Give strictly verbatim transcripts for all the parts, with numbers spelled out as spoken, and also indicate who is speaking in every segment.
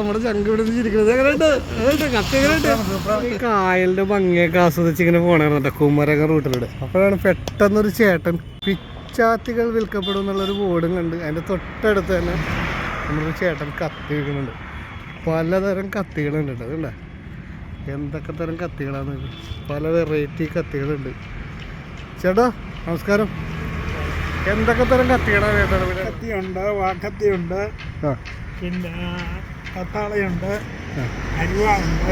Speaker 1: നമ്മുടെ ചങ്ക് ഇവിടെ ചിരിക്കുന്നത് എങ്ങനെയുണ്ട് കത്തി എങ്ങനെയുണ്ട് ഈ കായലിന്റെ ഭംഗിയൊക്കെ ആസ്വദിച്ച് ഇങ്ങനെ പോണായിരുന്നു കുമരകം റൂട്ടിലൂടെ. അപ്പോഴാണ് പെട്ടെന്നൊരു ചേട്ടൻ പിച്ചാത്തികൾ വിൽക്കപ്പെടും എന്നുള്ളൊരു ബോർഡും കണ്ട് അതിൻ്റെ തൊട്ടടുത്ത് തന്നെ നമ്മളൊരു ചേട്ടൻ കത്തി വിൽക്കുന്നുണ്ട്. പലതരം കത്തികളുണ്ട് കേട്ടോ. അതുകൊണ്ടാ എന്തൊക്കെ തരം കത്തികളാണ്, പല വെറൈറ്റി കത്തികളുണ്ട്. ചേട്ടാ നമസ്കാരം, എന്തൊക്കെ തരം കത്തികളാണ് ചേട്ടാ?
Speaker 2: കത്തിയുണ്ട്, വാക്കത്തിയുണ്ട്, പിന്നെ കത്താളയുണ്ട്, അരുവ ഉണ്ട്,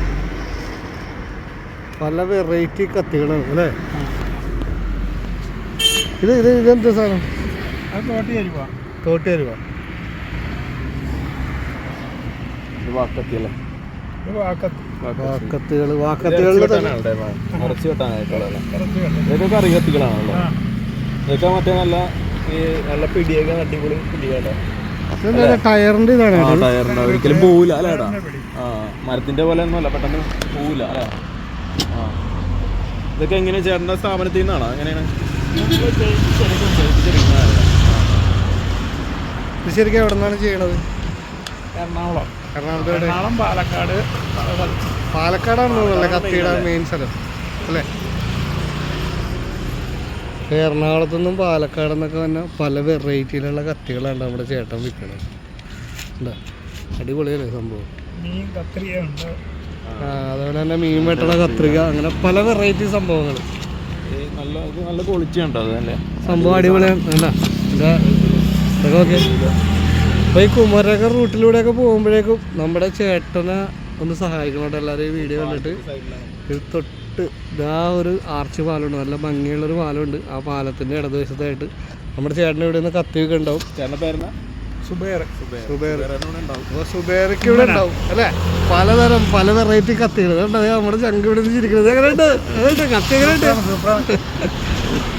Speaker 1: പല വെറൈറ്റി കത്തികളാണ് അല്ലേ? ഇത് ഇത് ഇതെന്താ സാധനം?
Speaker 2: അത് തോട്ടി അരുവ.
Speaker 1: തോട്ടി അരുവ
Speaker 3: വാക്കത്തിയല്ലേ?
Speaker 1: വാക്കത്തികൾ വാക്കത്തികളിൽ
Speaker 3: ഇതൊക്കെ കറി കത്തികളാണല്ലോ. ഇതൊക്കെ മറ്റേ നല്ല ഈ നല്ല പിടിയൊക്കെ അടിപൊളി പിടിയാട്ടോ.
Speaker 1: ടയറിന്റെ ഇതാണ്.
Speaker 3: ടയറിന്റെ ഒരിക്കലും പോവില്ല അല്ലേടാ. ആ മരത്തിന്റെ പോലെ ഒന്നും അല്ല, പെട്ടെന്ന് പോവില്ല അല്ലേ? ആ ഇതൊക്കെ എങ്ങനെയാ ചേട്ടൻ്റെ സ്ഥാപനത്തിൽ നിന്നാണോ? എങ്ങനെയാണ്
Speaker 1: ഇത് ശരിക്കും എവിടെ നിന്നാണ് ചെയ്യണത്?
Speaker 2: എറണാകുളം.
Speaker 1: എറണാകുളത്ത്
Speaker 2: എറണാകുളം, പാലക്കാട്.
Speaker 1: പാലക്കാടാണെന്ന് തോന്നുന്നല്ലേ കത്തിയുടെ മെയിൻ സ്ഥലം അല്ലേ? എറണാകുളത്തു നിന്നും പാലക്കാട് നിന്നൊക്കെ തന്നെ പല വെറൈറ്റിയിലുള്ള കത്തികളാണ് നമ്മുടെ ചേട്ടൻ വിൽക്കണത്. എന്താ അടിപൊളിയല്ലേ സംഭവം?
Speaker 2: മീൻ കത്രികയുണ്ട്.
Speaker 1: ആ അതുപോലെ തന്നെ മീൻ വെട്ടണ കത്രിക, അങ്ങനെ പല വെറൈറ്റി സംഭവങ്ങൾ.
Speaker 3: നല്ല നല്ല ക്വാളിറ്റി ഉണ്ടോ? അതല്ലേ
Speaker 1: സംഭവം അടിപൊളിയാണ്. എന്താ ഇതാ ഇതൊക്കെ ഓക്കെ. അപ്പോൾ ഈ കുമരകം റൂട്ടിലൂടെയൊക്കെ പോകുമ്പോഴേക്കും നമ്മുടെ ചേട്ടനെ ഒന്ന് സഹായിക്കണം. എല്ലാവരും ഈ വീഡിയോ കണ്ടിട്ട് ഇത് തൊട്ട് ഇതാ ഒരു ആർച്ച് പാലമുണ്ട്, നല്ല ഭംഗിയുള്ളൊരു പാലമുണ്ട്. ആ പാലത്തിൻ്റെ ഇടതുവശത്തായിട്ട് നമ്മുടെ ചേട്ടൻ ഇവിടെ നിന്ന് കത്തിയൊക്കെ ഉണ്ടാവും.
Speaker 3: ചേട്ടൻ്റെ പേരെന്നാ?
Speaker 2: സുബേർ.
Speaker 1: സുബേർ. അപ്പോൾ സുബേർക്ക് ഇവിടെ ഉണ്ടാവും അല്ലേ? പലതരം പല വെറൈറ്റി കത്തികൾ. നമ്മുടെ ചങ്ക് ഇവിടെ നിന്ന് ചിരിക്കുന്നത് എങ്ങനെയുണ്ട് കത്തി എങ്ങനെയുണ്ട്?